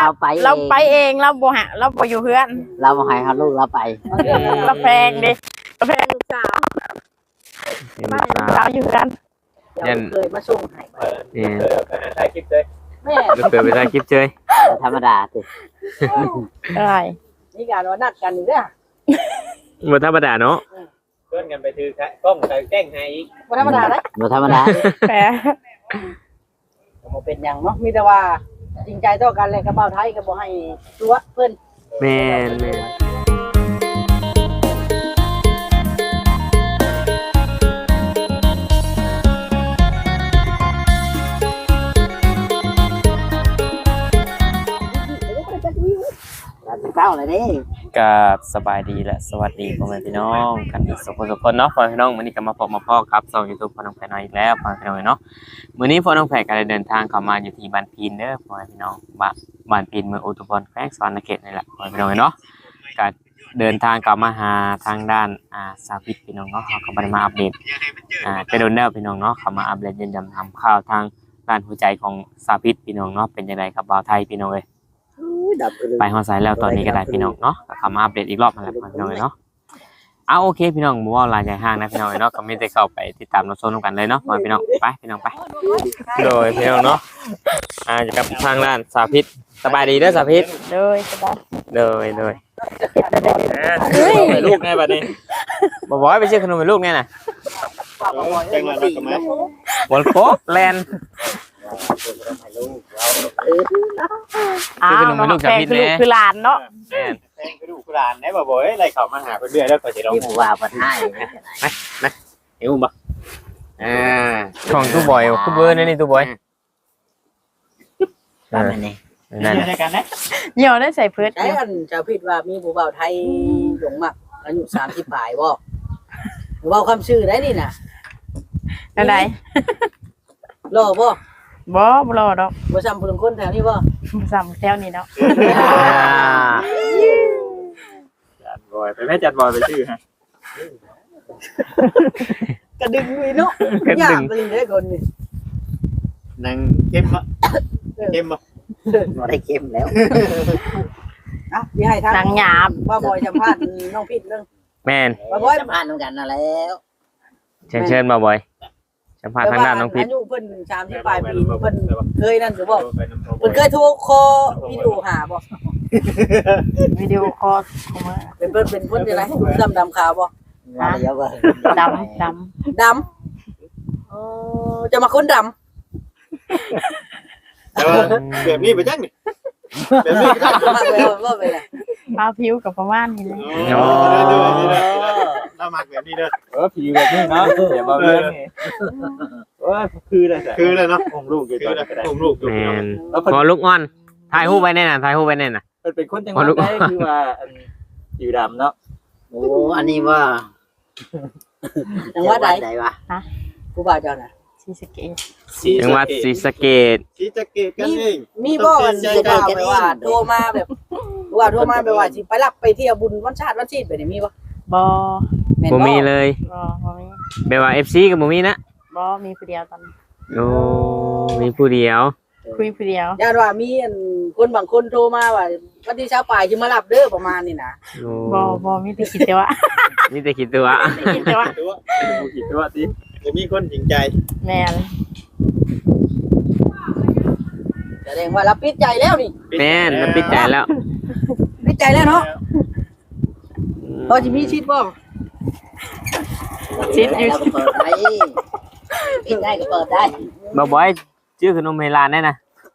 เราไปเองเราบ่หาเราบ่อยู่เพื่อนเราบ่ให้เขาลูกเราไปเราแพงดิเราแพงลูกสาวเราอยู่กันเคยมาส่งให้ถ่ายคลิปเลยแม่เปิดไปถ่ายคลิปเฉยธรรมดาสิอะไรนี่การว่านัดกันอยู่เด้อบ่ธรรมดาเนาะเพื่อนกันไปถือกล้องใส่แกล้งให้อีกบ่ธรรมดาเด้บ่ธรรมดาแพงบ่เป็นหยังเนาะมีแต่ว่าจริงใจต่อกันเลยกับเบาไทยก็บ่ให้ตัวเพิ่นแม่นเก้าเลยดิกับสบายดีและสวัสดีพ่อแม่พี่น้องกันสุขสุขคนเนาะพ่อแม่พี่น้องมื้อนี้ก็มาพบมาพ่อครับช่อง YouTube พ่อน้องแพรน้อยอีกแล้วพ่อแม่พี่น้องเนาะมื้อนี้พ่อน้องแพรก็ได้เดินทางเข้ามาอยู่ที่บ้านพีนเด้อพ่อแม่พี่น้องบ้านพีนเมืองอุทุมพรแขวงสวรรณเขตนี่แหละพ่อแม่พี่น้องเนาะก็เดินทางกลับมาหาทางด้านสาวิตพี่น้องเนาะเขาก็บ่ได้มาอัปเดตไปโดนแล้วพี่น้องเนาะเขามาอัปเดตยืนยันทำข่าวทางด้านหัวใจของสาวิตพี่น้องเนาะเป็นจังไดครับบ่าวไทยพี่น้องเอ้ย ไปฮอดไซด์แล้วตอนนี้ก็ได้พี่น้องเนาะก็เข้ามาอัปเดตอีกรอบมาแล้วพี่น้องเนาะเอาโอเคพี่น้องบ่ว่าหลายใหญ่ห้างนะพี่น้องเนาะก็มีแต่เข้าไปติดตามรับชมกันเลยเนาะพี่น้องไปพี่น้องไปโดยพี่น้องเนาะอยู่กับทางด้านสาพิษสบายดีเด้อสาพิษเลยสบายโดยลูกไงบัดนี้บ่บ่ไปซื้อขนมให้ลูกไงน่ะจังหวะนักกันไหมบอลโคแลนด์อ้าวน้องแพงคือลูกคือหลานเนาะแม่นแทงกระดูกกระดานได้บ่บ่เอ้ยไรเขามาหาเพื่อนเดือดแล้วก็จะร้องมีผู้ว่าบ่ให้เห็นบ่ของตู้บอยตู้เบอร์นี่ตู้บอยตามนี้นั่นในกันนะเหี่ยวได้ใส่เพิดไอ้อันชาวพิษว่ามีผู้เบาไทยหลงมักอายุ30ปลายบ่เว้าคำชื่อได้นี่น่ะอะไรรอบ่บ่รอดอกบ่ซ้ำผู้ลางคนแถวนี้บ่ซ้ำแถวนี้เนาะจัดบอยไปแม่จัดบอยไปชื่อฮะกระดึงนี่เนาะยากไปเลยคนนี่นางเข้มบ่เข้มบ่บ่ได้เข้มแล้วอ่ะสิให้ทางนางหยาบว่าบ่สัมภาษณ์น้องพิษเรื่องแม่นว่าบ่สัมภาษณ์กันนั่นแล้วเชิญมาบอยสัมภาษณ์ทางด้านน้องพิษอายุเพิ่น30ปลายปีเพิ่นเคยนั่นหรือบ่เพิ่นเคยโทรคอวิดีโอหาบ่วิดีโอคอลเข้ามาเป็นเพิ่นเป็นคนจังได๋ดำขาวบ่ว่าเดี๋ยวว่าดดำำจะมาคนดำแบบนี้ไปจังนี่แบบนี้มาไปว่าไปเลยมาผิวกับประมาณนี้เลยเรามักแบบนี้เด้อผีแบบนี้เนาะเดี๋ยวมาเรื่องนี่คือเลยเนาะองลูกอยู่ตอนนี้องลูกอยู่แม่นพอลูกอ่อนถ่ายรูปไว้แน่น่ะถ่ายรูปไว้แน่น่ะมันเป็นคนจังหวัดได้คือว่าอยู่ดำเนาะโอ้อันนี้ว่าจังหวัดใดวะผู้บ่าวเจ้าน่ะชีสเกตจังหวัดศรีสะเกษสีจะเกตกันเองมีบ่มันสิบ่าวไปว่าโทรมาแบบว่าโทรมาแบบว่าสิไปรับไปเที่ยวบุญวันชาติวันชีพไปนี่มีบ่บ่แม่นบ่มีเลยบ่มีแบบว่า FC ก็บ่มีนะบ่มีผู้เดียวตอนนี้โอ้มีผู้เดียวคุยผู้เดียวญาติว่ามีอันคนบางคนโทรมาว่าวันที่เช้าปลายสิมารับเด้อประมาณนี้นะโอ้บ่มีแต่คิดแต่ว่ามีแต่คิดตัวคิดแต่ว่าตัวผิดตัวสิจะมีคนจริงใจแม่นแสดงว่ารับปิดใจแล้วนี่แม่นมันปิดใจแล้วปิดใจแล้วเนาะพอสิมีชิดบ่ชิดอยู่เราก็เปิดได้ปิดได้ก็เปิดได้บ่บ่อยชื่อขนมเฮลานแน่นะ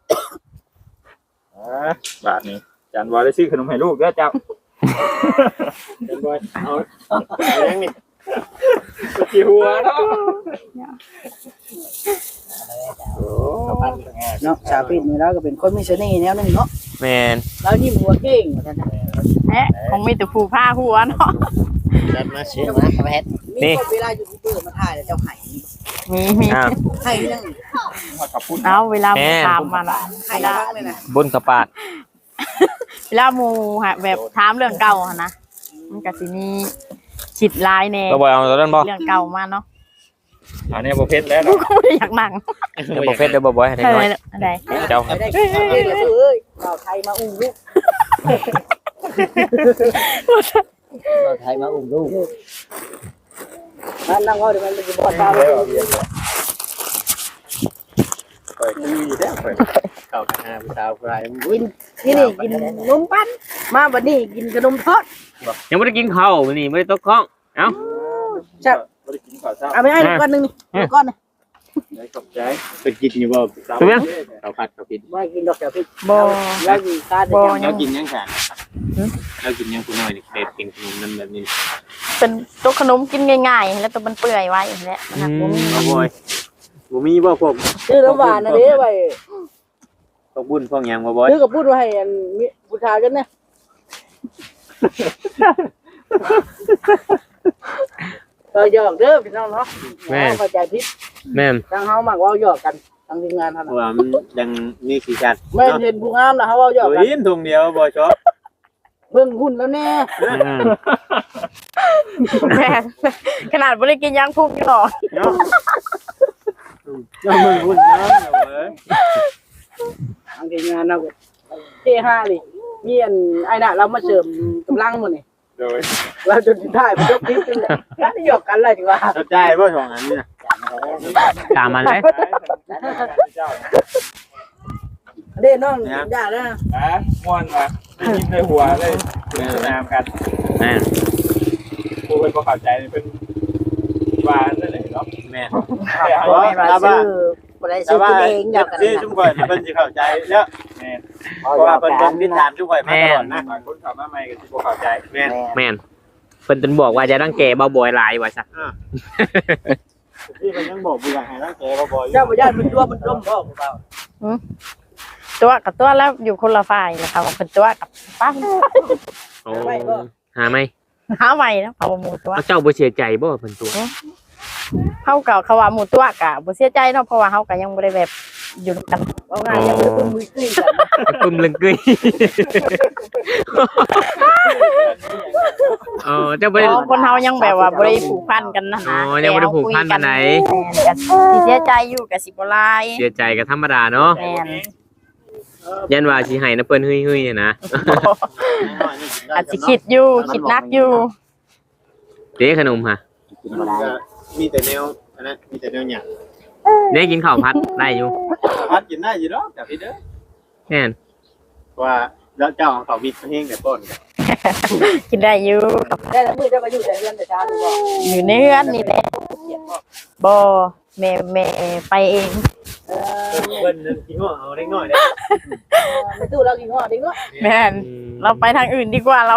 บาทนี้จานบอยได้ซื้อขนมให้ลูกเด้อเจ้าจัดบอยเอายังนี่กี่หัวเนาะเนาะชาวปิดนี่แล้วก็เป็นคนมีเสน่ห์แนวนึงเนาะแม่นแล้วยิ้มหัวเก่งว่าซั่นน่ะแหะคงมีแต่ผู้ผ้าหัวเนาะจัดมาเชื่อมาครับเพชรมีคนเวลาอยู่ที่เปิดมาถ่ายแล้วเจ้าไห้นี่มีอ้าวไห้ยังเอาเวลาหมู่ถามมาละไห้บ้างเลยนะบนกระปาดเวลาหมู่ฮะแบบถามเรื่องเก่าหั่นนะมันก็สิมีฉิดลายแน่บ่บ่อยเอาตัวนั้นบ่เรื่องเก่ามาเนาะอันนี้บ่เพชรแล้วกูเนาะก็ไม่ได้อยากนั่งเดี๋ยวบ่เฟซเดี๋ยวบ่บ่อยให้ได้อะไรน้อยอะไรเจ้าไม่ได้เอ้ยเราไทยมาอุ้มลูกเราไทยมาอุ้มลูกนั่งเอาเดี๋ยวมันจะบอดตาแล้วปล่อยคือแล้วปล่อยเข้าหาผู้สาวผู้ชายวิ่งที่นี่กินนมปั้นมาวันนี้กินขนมทอดยังไม่ได้กินข้าวมื้อนี้ไม่ได้ตกข้องเอ้าจับบ่ได้กินข้าวเช้าเอาไปให้ก้อนหนึ่งนี่ก้อนนึงได้ขอบใจเป็นกินอยู่บ่สาวเป็นยังข้าวผัดข้าวผิดไม่กินดอกเดี๋ยวพี่บ่แล้วอยู่ตาเดียวแล้วกินยังแข็งแล้วกินยังคุณน้อยนี่เด็ดกินขนมนั่นแบบนี้เป็นตัวขนมกินง่ายๆแล้วตัวมันเปื่อยไว้แหละมันหักบ่มีเอาบ่อยบ่มีบ่พวกซื้อน้ำหวานนะเด้ไว้พวกบุญพวกหยังบ่บ่อยซื้อกับพูดไว้ให้อันมีผู้ชายกันนะเราหยอกเด้อพี่น้องเนาะเข้าใจผิดแม่นทางเฮามักเว้าหยอกกันทางทีมงานท่านเพราะว่ามันยังมีสีสันไม่เห็นผู้งามนะเฮาเว้าหยอกกันโอ้ยถุงเดียวบ่ชอบเพิ่งหุ้นแล้วแน่แม่ขนาดบ่ได้กินยางพุกอยู่หรอเนาะยังมึงหุ่นเนาะเว้ยทางทีมงานเราเท่ห้าดิมีอันไอ้น่ะเรามาเสริมกำลังหมดนี่โดยเราจนได้บ่ยกคลิปนึงแล้วหยอกกันเลยดีกว่าเข้าใจบ่สองอันนี้นะตามมันเลยเด้น้องย่าเด้อม่วนว่ะยิ้มในหัวเลยนามกันแม่นกูเป็นบ่เข้าใจเป็นว่านั่นแหละเนาะแม่นไม่มาซื้อบ่ได้ซื้อกินเองหยอกกันซื้อจุ่มก่อนเพิ่นสิเข้าใจแล้วแม่นเพราะว่าเพิ่นต้องติดตามจุ่มก่อนมาตลอดนะบางคนเข้ามาใหม่ก็สิบ่เข้าใจแม่นแม่นเพิ่นจนบอกว่าจะตั้งแก่เบาบ่อยหลายว่าซะที่มันยังบอกบ่อยากให้รักแกบ่บ่อยเจ้าบ่ย่านมันตัวมันร่มบ่เปล่าตัวกับตัวแล้วอยู่คนละฝ่ายแหละค่ะว่าเป็นตัวกับป้าโอ้หาไหมหาใหม่นะเขาว่าหมู่ตัวเอาเจ้าบ่เสียใจบ่เพิ่นตัวเขาก็เขาว่าหมู่ตัวกะบ่เสียใจเนาะเพราะว่าเขาก็ยังบ่ได้แบบอยู่ด้วยกันเอาง่ายยังบ่ได้เป็นมือซื้อกันปึ้มลึงกึ้ยเจ้าบ่ได้เพราะคนเฮายังแบบว่าบ่ได้ผูกพันกันนะอ๋อยังบ่ได้ผูกพันปานใดก็สิเสียใจอยู่ก็สิบ่หลายเสียใจก็ธรรมดาเนาะแม่นยันว่าสิให้นะเพิ่นเฮ้ยๆนะอาจสิคิดอยู่คิดหนักอยู่เด้ขนมฮะมีแต่แนวอันนั้นมีแต่แนวหยังเด้กินข้าวผัดได้อยู่พัดกินได้อยู่ดอกแต่พี่เด้อแม่นว่าแล้วเจ้าของเขามีเพลงแต่ต้นกินได้อยู่ได้แล้วมือจะมาอยู่แต่เรือนแต่เช้าหรือบ่อยู่ในเรือนนี่แหละบ่แม่ไปเองเพิ่นนึงกินหัวเอาเล็กน้อยเด้ไม่ตู้เรากินฮอดเด็กเนาะแม่นเราไปทางอื่นดีกว่าเรา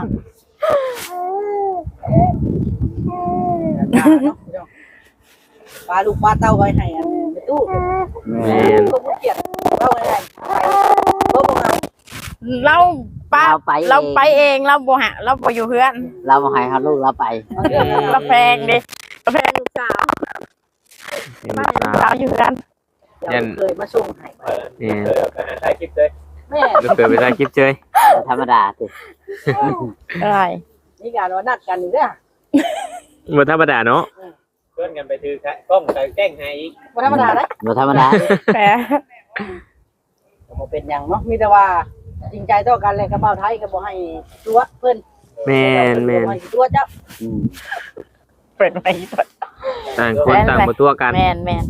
ปลาลูกปลาเต้าไว้ให้อันไม่ตู้แม่นก็บ่เกลียดเต้าไว้ให้บ่บ่เอาเราป้าเราไปเองเราบ่หาเราบ่อยู่เฮือนเรามาให้เขาลูกเราไปเราแพงดิเราแพงลูกสาวบ้านลูกสาวอยู่เฮือนเดี๋ยวเคยมาส่งให้แม่นถ่ายคลิปเลยแม่ลูกเกิดไปได้คลิปเฉยธรรมดาสิได้นี่การว่านัดกันนี่เด้อบ่ธรรมดาเนาะเพื่อนกันไปถือกล้องใส่แกล้งให้อีกบ่ธรรมดาเด้บ่ธรรมดาแหมบ่เป็นหยังเนาะมีแต่ว่าจริงใจต่อกันเลยกับเบาไทยก็บ่ให้ตัวเพิ่นแม่นแม่นบ่ให้ตัวเจ้าเปิดไปก่อนต่างคนต่างบ่ตัวกันแม่นแม่น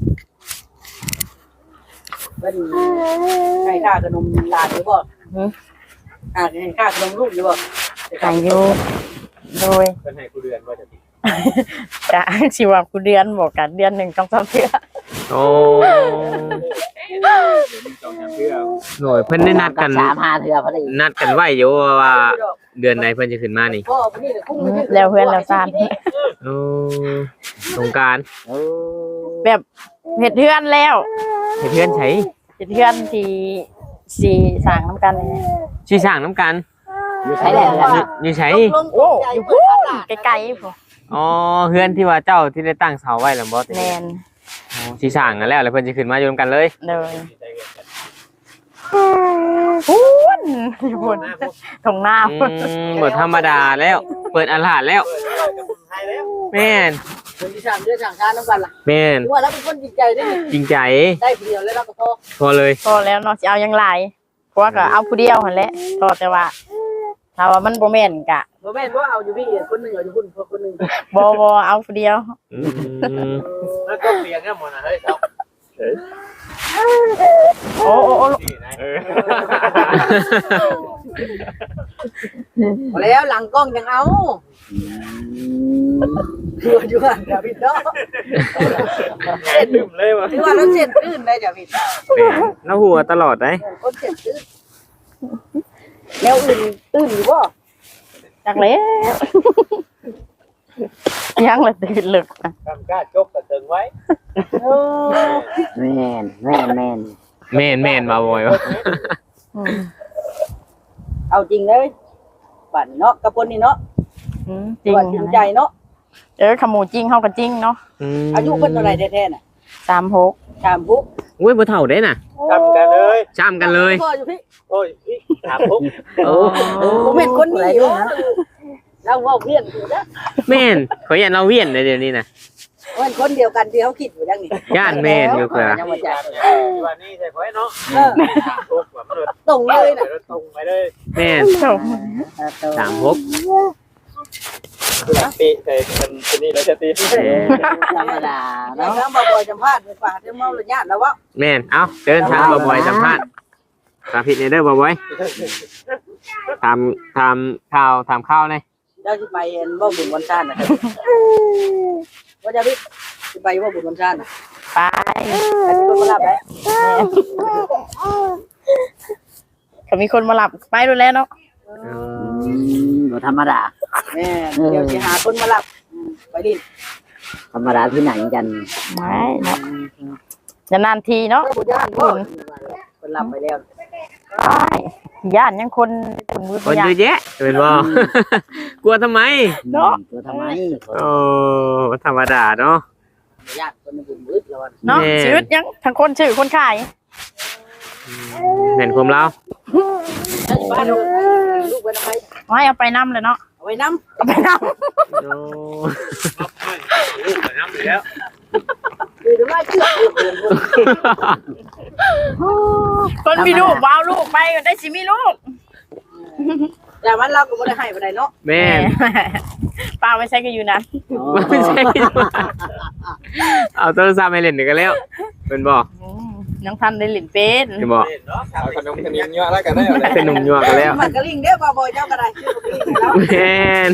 เพิ่นให้ค่าขนมหลานอยู่บ่ให้ค่าขนมลูกอยู่บ่ขายอยู่โดยเพื่อนให้กูเดือนว่าจะติดกะสิว่ากูเดือนบอกกันเดือนหนึ่งต้องทำเพื่อโอ้เดี๋ยวมึงจองอย่างเพื่อโหยเพิ่นได้นัดกัน 3-5เทื่อพอดีนัดกันไว้อยู่ว่าเดือนไหนเพิ่นจะขึ้นมานี่พ่อผู้นี้ก็คุ้มไม่แล้วเพื่อนแล้วซ่านโอ้สงกรารโอ้แบบเห็ดเพื่อนแล้วให้เพื่อนใช้เห็ดเพื่อนที่สี่สั่งน้ำกันเลยชื่อสร้างน้ำกันอยู่ใช้แล้วกันอยู่ใช้โอ้อยู่พูนไกลๆพออ๋อเพื่อนที่ว่าเจ้าที่ได้ตั้งเสาไว้แล้วบ่แมนชื่อสร้างกันแล้วเพิ่นจะขึ้นมาอยู่นำกันเลยเลยพูนอยู่พูนตรงหน้าบ่ธรรมดาแล้ว เปิดอาหารแล้วแม่นเพิ่นสิสั่งเดือนสั่งชาน้ำกันล่ะแม่นว่าแล้วเป็นคนจริงใจได้จริงใจได้ผู้เดียวแล้วเราก็พอพอเลยพอแล้วเนาะจะเอายังไรเพราะว่าก็เอาผู้เดียวหั่นแหละก็แต่ว่าถ้าว่ามันบ่แม่นก็บ่แม่นว่าเอาอยู่พี่คนหนึงเอาอยู่พุ่นคนหนึงบ่เอาผู้เดียวอืมแล้วก็เปลี่ยนกันหมดนะเฮ้ยเอาโอ้พอแล้วหลังกล้องยังเอาคืออยู่ห่างจ้ะพี่เนาะลืมเลยวะคือว่าเราเจ็ดตื้นได้จ้ะพี่แม่นแล้วหัวตลอดได้คนเจ็ดตื้นแล้วอื่นตื้นอยู่บ่จักแล้วยังละตื่นลึกนะกำกล้าจกกระเติงไว้แม่นแม่นมาบ่อยวะอืมเอาจริงเลยบัดเนาะกับคนนี้เนาะจริงว่าจริงใจเนาะขโมยจริงเฮาก็จริงเนาะอายุเพิ่นเท่าไหร่แท้ๆน่ะ 36 ถามปุ๊บอุ้ยบ่เท่าได้น่ะจำกันเลยจ้ำกันเลยพ่ออยู่พี่โอ้ยพี่ถามปุ๊บโอ้ผมเห็นคนนี้อยู่เราเว้าเพี้ยนอยู่นะแม่นขออย่าเราเวียนเลยเดี๋ยวนี้น่ะเพิ่นคนเดียวกันที่เขาคิดอยู่จังนี่ย่านแม่นอยู่เพิ่นยังบ่จักวันนี้ใช่ไหมเนาะเออถามปุ๊บแบบมันตรงเลยน่ะตรงไปเลยแม่น36 ตีใส่เป็นนี่แล้วจะตีธรรมดาแล้เนาะวทั้งบ่บ่อยสัมภาษณ์ไปฝากเจ้าเมาระยะแล้วว่าแม่นเอ้าเดินทางบ่อยๆสัมภาษณ์สาธิตในเด้อบ่อยๆถามข้าวเลยเจ้าสิไปเห็นบ่บุญวันชาตินะครับว่าจะพี่สิไปบ่บุญวันชาติน่ะไปให้มีคนมารับได้ก็มีคนมารับไปดูแลเนาะบ่ธรรมดาแม่เดี๋ยวสิหาคนมารับไปดิธรรมดาที่ไหนกันไม่เนาะจะนานทีเนาะก็บ่ย่านบ่คนรับไปแล้วไปย่านยังคนถึงมือคนย่าเยนอะแยะเป็นบ่ กลัวทำไมเนาะตัวทำไมโอ้ธรรมดาเนาะญาติคนบุญมืดแล้วเนาะแม่ชีวิตยังทั้งคนชื่อคนขายเห็นความเราเจ้าสิไปลูกไปทำไมไม่เอาไปน้ำเลยเนาะเอาไว้น้ำเอาไปน้โอ้ลูกไปน้ำแล้วคือถึงว่าเชื่อำคนมีลูกว้าวลูกไปได้สิมีลูกแต่มันเราก็บ่ได้ให้บ่ได้เนาะแม่นป้าไม่ใช่ก็อยู่นั้นไม่ใช่เอาโทรศัพท์ให้เล่นเดี๋ยวก็แล้วเป็นบ่ยังทันได้หลินเป็นเป็นบ่เนาะเอาขนมขนมเยอะแล้วกันได้เอาเลยเป็นหนุ่มยัวกันแล้วมันก็ลิงเด้อบ่บ่เจ้าก็ได้ชื่อบ่ลิงแล้วแม่น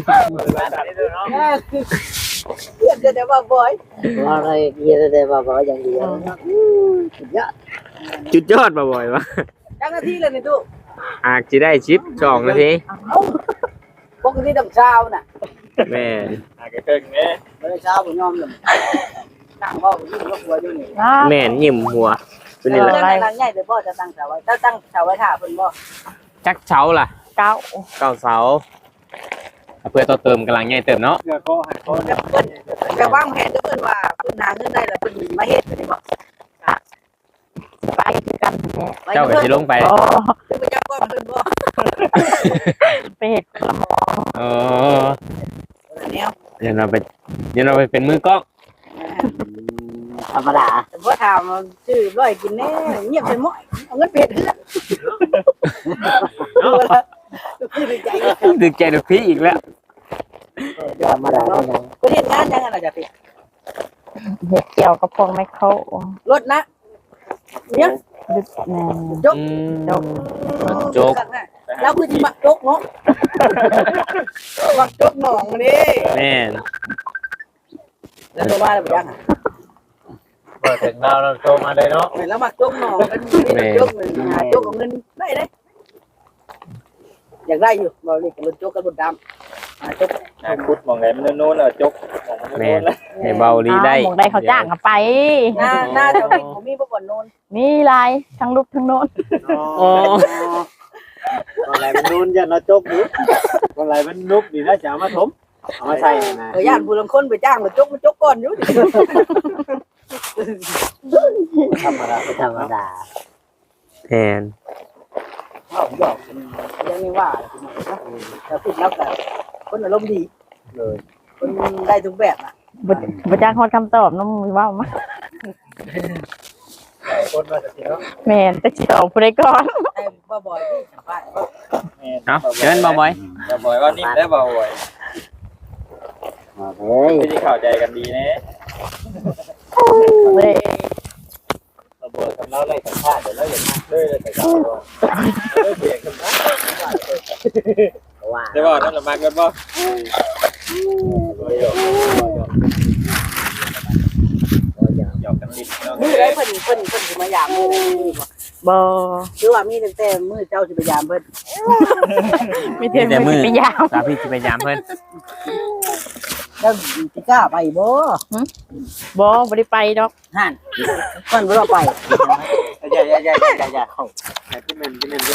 เรียกแต่ว่าบ่อยว่าอะไรเยอะแต่ว่าบ่อย่างเดียวเยอะจุดยอดบ่บ่อยวะจังนาทีเลยนี่ตู้อาจจะได้ชิป2 นาทีปกติต้องเช้าน่ะแม่นอ่ะก็เกินเนี่ยบ่ได้เช้าบ่ยอมเลยนั่งเว้าอยู่ก็กลัวอยู่นี่แม่นยิ้มหัวตัวนี้แหละตั้งใหญ่เลยบ่จะตั้งเสาไว้ถ้าตั้งเสาไว้ท่าเพิ่นบ่จักเช้าล่ะเก้าเก้าเสาเพื่อต่อเติมกำลังใหญ่เติมเนาะเพื่อข้อให้ข้อเพิ่นจะวางแผนเด้อเพิ่นว่าเพิ่นหาเงินได้แล้วเพิ่นมาเฮ็ดได้บ่ไปคือกันแหละเจ้าก็สิลงไปอ๋อเพิ่นบ่จักก้อมเพิ่นบ่ไปเห็ดกระหมออ๋อแนวเดี๋ยวเราไปเป็นมือกล้องธรรมดาแต่บ่ถามชื่อร้อยกินแน่เงียบไปหมดเอาเงินไปเฮ็ดเฮือนคือดีใจดึกใจดึกพี่อีกแล้วธรรมดาเท่านั้นเพิ่นเฮ็ดงานจังน่ะจ้ะพี่เห็ดเกี่ยวกับพวกไมโครรถนะเนี่ยดึกแน่จกโจกแล้วคือสิมักจกเนาะมักจกหนองนี่แม่นแล้วตัวว่าแล้วบ่ยังอ่ะเปิดถึงเราโตมาเลยเนาะแล้วมักจกหนองมันจกเงินหาจกของเงินได้เด้อยากได้อยู่บ่นี่กับรถจกกับรถดำหาจกพุดมองไหนมันโน้นอ่ะจกมองมันโน้นแล้วให้เบาลีได้หมองได้เขาจ้างกันไปหน้าเจ้าพี่ผมมีบ่บ่นโนนมีลายทั้งรูปทั้งโน้นโอ้คนไหนมันนู้นยันเราจกดิคนไหนมันนุกดีนะจะเอามาถมเอามาใส่นะย่านผู้ลางคนไปจ้างมาจกมันจกก่อนอยู่ธรรมดาธรรมดาแม่นเอาหยอกยังไม่ว่าแต่พูดแล้วแต่คนอารมณ์ดีเลยคนได้ทุกแบบน่ะบ่จ้างคนคำตอบน้องมือว่ามาคนมาจากที่เนาะแม่นแต่สิเอาผู้ใดก่อนแต่บ่บ่อยที่สัมภาษณ์เนาะเชิญบ่บ่อยบ่บ่อยว่านิ่มได้บ่บ่อยเฮ้ยไม่ได้เข้าใจกันดีนะเว้ยบ่บ่อยกับเราเลยสัมภาษณ์เดี๋ยวเราอย่ามาเลยแต่เราเปลี่ยนกันนะว่าได้บ่นั่นละมากันบ่ หยอกกันนิดน้องมื้อได้เพิ่นสิมายามมื้อนี้บ่บ่คือว่ามีตั้งแต่มื้อเจ้าสิไปยามเพิ่นไม่เทียนแต่มือไปยาวสาพี่สิพยายามเพิ่นแล้วสิกล้าไปบ่บ่ได้ไปดอกหั่นเพิ่นบ่ได้ไปอย่าเข้าที่มัน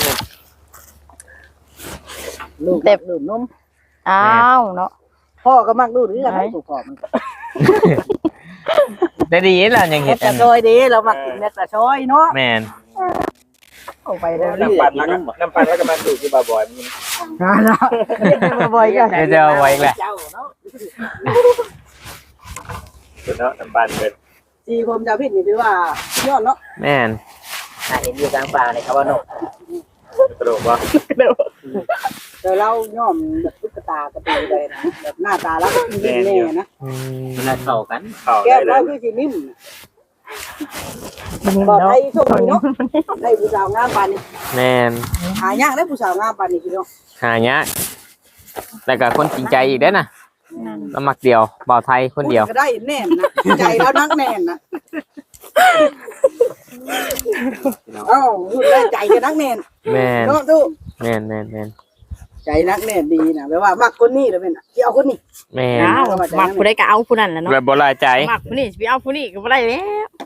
ลูกดื่มนมอ้าวเนาะพ่อก็มักดูดคือกันให้ถูกพ่อมันได้ดีแล้วยังเฮ็เฮ็ดดแต่อันซอยเด้เรามักกินแม่แต่ซอยเนาะแม่นเอาไปแล้วน้ำปั่นน้ำปั่นแล้วก็มาดูที่บ่บ่อยมันนะมาบ่อยกันเดี๋ยวจะเอาไว้อีกแหละเจ้าเนาะเป็นเนาะน้ำปั่นเป็นสีผมจะผิดนี่ถือว่ายอดเนาะแม่นเห็นอยู่กลางป่าในคำว่านกกระโดดว่าแต่เราย่อมแบบตุ๊กตากระตือเลยนะแบบหน้าตาแล้วก็ยิ้มแน่นะอืมมันเข้ากันเข้าแก้ได้มเลเรายคือสีนิ่มมันบอกเนาะให้โชคดีเนาะได้ผู้สาวงามปานนี้แม่นหายากได้ผู้สาวงามปานนี้พี่น้องหายากแล้วก็คนจริงใจอีกเด้อนะเรามักเดียวบ่าวไทยคนเดียวก็ได้แน่นนะใจเรานักแน่นนะเอ้าพูดได้ใจก็นักแน่นแม่นเนาะตู้แม่นนใจนักแน่นดีนะแปลว่ามักคนนี้แล้วเป็นที่เอาคนนี้แม่นอ้าวมักผู้ใดก็เอาผู้นั้นแหละเนาะแบบบ่ลายใจมักผู้นี้สิไปเอาผู้นี้ก็บ่ได้แล้ว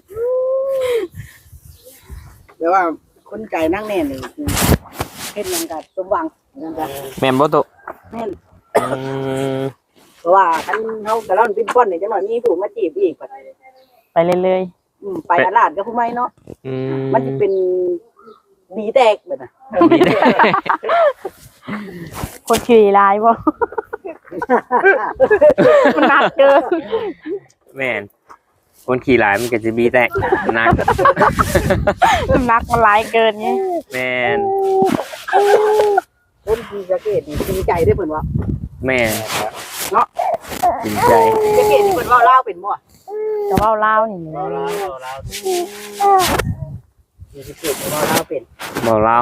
แปลว่าคนใจนักแน่นนี่เฮ็ดหยังก็สมหวังนั่นก็แม่นบ่ตุแม่นอืมเพราะว่าคันเฮาก็เราเป็นป้อนนี่จังหน่อยมีผู้มาจีบอีกบัดไปเรื่อยไปตลาดกับผู้ใหม่เนาะอืมมันสิเป็นดีแตกแบบน่ะๆคนขี่ลายบ่ มันหนักเกินแม่นคนขี่หลายมันก็จะมีแต่หนักมันหนักมันหลายเกินไงแม่นคนที่สะเกตนี่จริงใจได้เพิ่นว่าแม่นเนาะจริงใจสะเกตนี่เพิ่นเว้าลาวเป็นบ่จะเว้าลาวนี่มีสะเกตเว้าลาวเป็นบอกเรา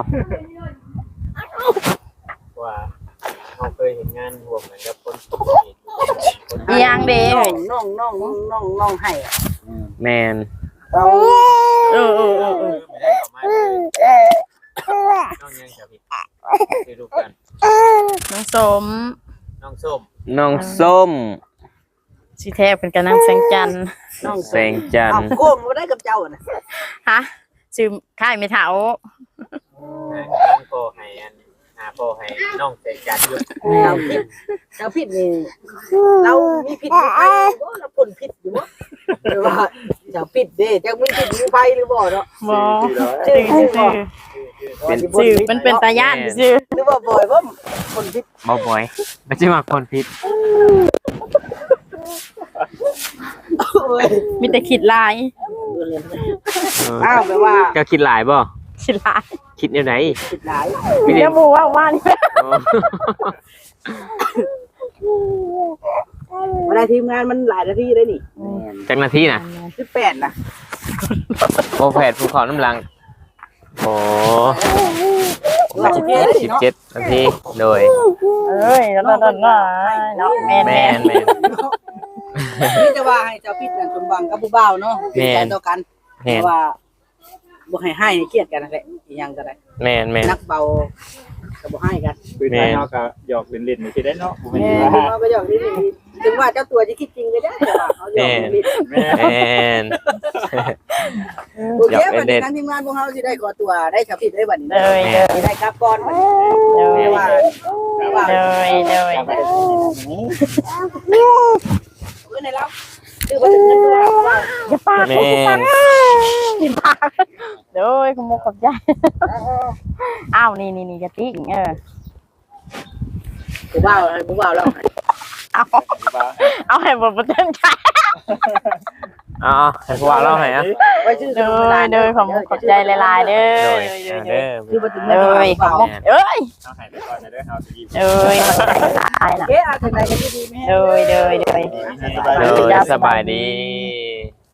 ว่าเราเคยเห็นงานรวมกันกับคนอีหยังเด้น้องให้แม่นเราเออไม่ได้เข้ามาน้องยังจะผิดไปดูกันน้องสมน้องส้มน้องส้มสิแท้เป็นกะนางแสงจันทร์น้องแสงจันทเอาร์โกมบ่ได้กับเจ้าน่ะฮะชื่อค่ายไม่เฒ่าน้องโปให้อันโปให้น้องเสกจัดอยู่เจ้าผิดนี่เรามีผิดมีไฟบ่เราพ่นผิดอยู่บ่หรือว่าเจ้าผิดเด้เจ้ามีผิดมีไฟหรือบ่เนาะบ่ชื่อชื่อบ่ชื่อมันเป็นตาย่านชื่อหรือว่าบ่อยบ่พ่นผิดบ่บ่อยไม่ใช่มาคนผิดเอ้ยมีแต่คิดลายอ้าวแปลว่าเจ้าคิดหลายบ่คิดลายคิดแนวไหนผิดหลายไม่ได้เดี๋ยวบูว่านี่โอ้เวลาทีมงานมันหลายนาทีเลยนี่จักนาทีน่ะ 18นะโอแพดภูเขาน้ำลังโอ้17นาทีโดยเอ้ยแล้วเนาะแม่นแม่นแม่นนี่จะว่าให้เจ้าผิดนั่นสมหวังกับผู้บ่าวเนาะแม่นใจต่อกันแม่แต่นว่าบ่ให้ให้เครียดกันนั่นแหละอีหยังก็ได้แม่นแม่นนักเบาก็บ่ให้กันคือไทยเนาะก็หยอกเล่นๆนี่สิได้เนาะบ่แม่แม่นว่าเราก็หยอกนิดนึงถึงว่าเจ้าตัวจะคิดจริงก็ได้แต่ว่าเขาหยอกนิดแม่แม่นโอเควันนี้ทางทีมงานพวกเขาสิได้ขอตัวได้ชาวผิดได้บัดนี้เลยสิได้กลับก่อนบัดนี้เลยว่าว่าเลยในเราคือบ่ถึงเงินตัวว่าอย่าปากแม่นอย่าปากเด้อขโมยขอบใจอ้าวนี่กระติกผู้บ่าวให้ผู้บ่าวเราเอาให้บ่เต็มใจอ๋อให้พวกเราให้อะไว้ชื่อเด้อเด้อขอบใจหลายๆเด้อโดยเด้อคือบ่ถึงเด้อขอบคุณเอ้ยเอาให้ไปก่อนนะเด้อเอาสิเอ้ยขอบใจหลายล่ะเอ๊ะอาถึงไหนกันดีแม่เด้อโดยสบายดี